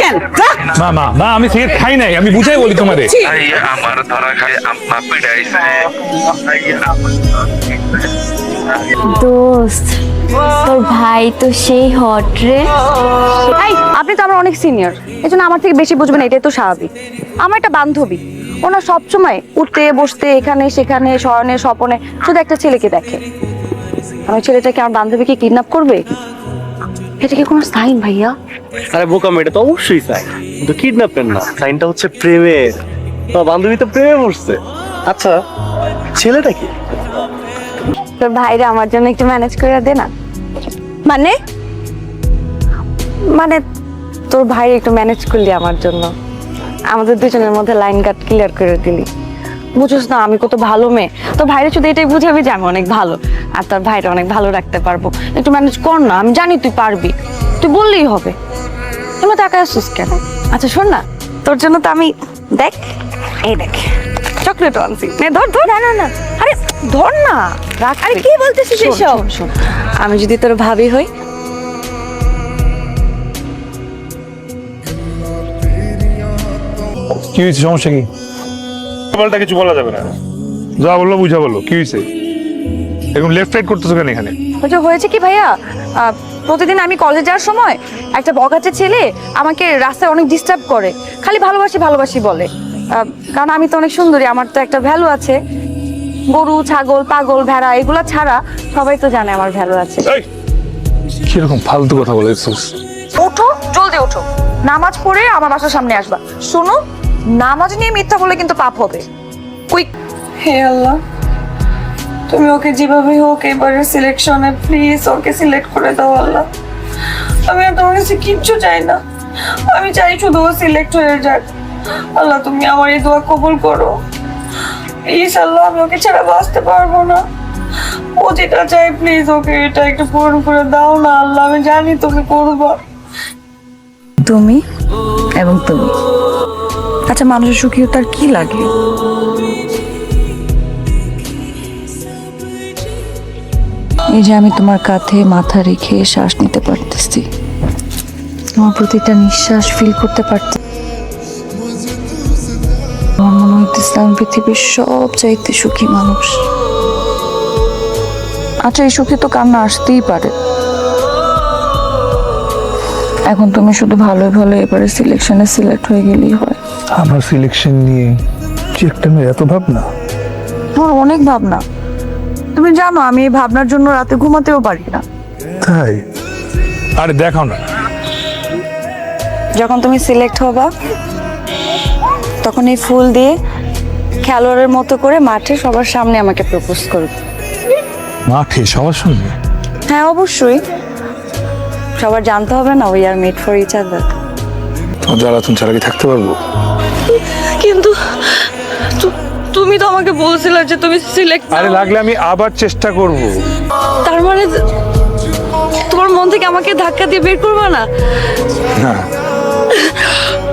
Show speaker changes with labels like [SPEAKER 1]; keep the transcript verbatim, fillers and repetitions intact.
[SPEAKER 1] কেন?
[SPEAKER 2] মা মা মা আমি সিগারেট খাই নাই, আমি বুঝাই বলি তোমাদের।
[SPEAKER 3] আমার ধরা খাই আম্মা পিড়াইছে।
[SPEAKER 4] দোস্ত তোর ভাই তো সেই হট রে।
[SPEAKER 5] এই আপনি তো আমার অনেক সিনিয়র, এই জন্য আমার থেকে বেশি বুঝবেন, এটাই তো স্বাভাবিক। আমার একটা বান্ধবী, ওনার সবসময় উঠতে বসতে এখানে সেখানে শয়নে স্বপনে শুধু একটা ছেলেকে দেখে। আমার ছেলেটাকে আমার বান্ধবীকে কিডন্যাপ করবে, এটা কি কোনো সাইন ভাইয়া?
[SPEAKER 6] আরে বোকাম, এটা তো অবশ্যই সাইন, কিন্তু কিডন্যাপের না, সাইনটা হচ্ছে প্রেমের। তোমার বান্ধবী তো প্রেমে পড়ছে। আচ্ছা ছেলেটা কি?
[SPEAKER 5] তোর ভাইরা আমার জন্য একটু ম্যানেজ করে দে না।
[SPEAKER 4] মানে
[SPEAKER 5] মানে তোর ভাই একটু ম্যানেজ করলি আমার জন্য, আমাদের দুজনের মধ্যে লাইন কাট ক্লিয়ার করে দিলি। বুঝোস না আমি কত ভালো মেয়ে, তোর ভাইরা শুধু এটাই বুঝাবি যে আমি অনেক ভালো, আর তোর ভাইরা অনেক ভালো রাখতে পারবো। একটু ম্যানেজ কর না, আমি জানি তুই পারবি, তুই বললেই হবে। তুমি তাকায় আসছিস কেন? আচ্ছা শোন না, তোর জন্য তো আমি দেখ এই দেখ চকলেট আনছি, নে ধর ধর।
[SPEAKER 4] না না না,
[SPEAKER 5] আরে ধর না, রাখ।
[SPEAKER 4] আরে কি বলতেছিস
[SPEAKER 5] শোন,
[SPEAKER 4] এসব?
[SPEAKER 5] শোন, শোন, আমি যদি তোর ভাবি হই,
[SPEAKER 2] কি হয়েছে, সমস্যা কি? বলটা কিছু বলা যাবে না, যা বললো বুঝা বললো। কি হয়েছে? এরকম লেফট রাইট করতেছো কেন এখানে?
[SPEAKER 5] হচ্ছে হয়েছে কি ভাইয়া, আহ, প্রতিদিন আমি কলেজে যাওয়ার সময় একটা বকাচে ছেলে আমাকে রাস্তায় অনেক ডিস্টার্ব করে, খালি ভালোবাসি ভালোবাসি বলে। আহ, কারণ আমি তো অনেক সুন্দরী, আমার তো একটা ভ্যালু আছে। গরু ছাগল পাগল ভেড়া এগুলা ছাড়া সবাই তো জানে আমার ভ্যালু আছে।
[SPEAKER 2] এই, কিরকম ফালতু কথা বলেছিস?
[SPEAKER 5] ওঠো, জলদি ওঠো, নামাজ পড়ে আমার বাসার সামনে আসবা। শোনো, নামাজ নিয়ে মিথ্যা বলে কিন্তু পাপ হবে। কুইক।
[SPEAKER 7] হে আল্লাহ, তুমি ওকে যেভাবে হোক এবারে সিলেকশনে প্লিজ ওকে সিলেক্ট করে দাও আল্লাহ। আমি আর তোমার কাছে কিচ্ছু চাই না, আমি চাই শুধু ও সিলেক্ট হয়ে যাক। আল্লাহ তুমি আমার এই দোয়া কবুল করো প্লিজ আল্লাহ, আমি ওকে ছাড়া বাঁচতে পারবো না। ও যেটা চাই প্লিজ ওকে এটা একটু পূরণ করে দাও না আল্লাহ, আমি জানি তুমি করবা।
[SPEAKER 8] তুমি এবং তুমি, আচ্ছা মানুষের সুখী তার কি লাগে? এই যে আমি তোমার কাঁধে মাথা রেখে শ্বাস নিতে পারতেছি, তোমার প্রতিটা নিঃশ্বাস ফিল করতে পারতেছি। আমার মনে হইতেছে আমি পৃথিবীর সব চাইতে সুখী মানুষ। আচ্ছা এই সুখী তো কান্না আসতেই পারে। এখন তুমি শুধু ভালোই ভালো এবারে সিলেকশনে সিলেক্ট হয়ে গেলেই হয়।
[SPEAKER 2] আমার সিলেকশন নিয়ে কি একটা মেয়ে এত ভাবনা?
[SPEAKER 8] আমার অনেক ভাবনা, তুমি জানো আমি এই ভাবনার জন্য রাতে ঘুমাতেও পারি না।
[SPEAKER 2] তাই? আরে দেখাও না।
[SPEAKER 5] যখন তুমি সিলেক্ট হবা তখন এই ফুল দিয়ে খেলোয়াড়ের মতো করে মাঠে সবার সামনে আমাকে প্রপোজ করবে।
[SPEAKER 2] মাঠে সবার সঙ্গে?
[SPEAKER 5] হ্যাঁ অবশ্যই, সবার জানতে হবে না we are made for each other.
[SPEAKER 2] তোমার জ্বালাতন ছাড়া কি থাকতে পারবো?
[SPEAKER 7] কিন্তু তু- তুমি তো আমাকে বলছিলে যে তুমি সিলেক্ট,
[SPEAKER 2] আরে লাগলে আমি আবার চেষ্টা করব।
[SPEAKER 7] তার মানে তোমার মন থেকে আমাকে ধাক্কা দিয়ে বের করবে না?
[SPEAKER 2] না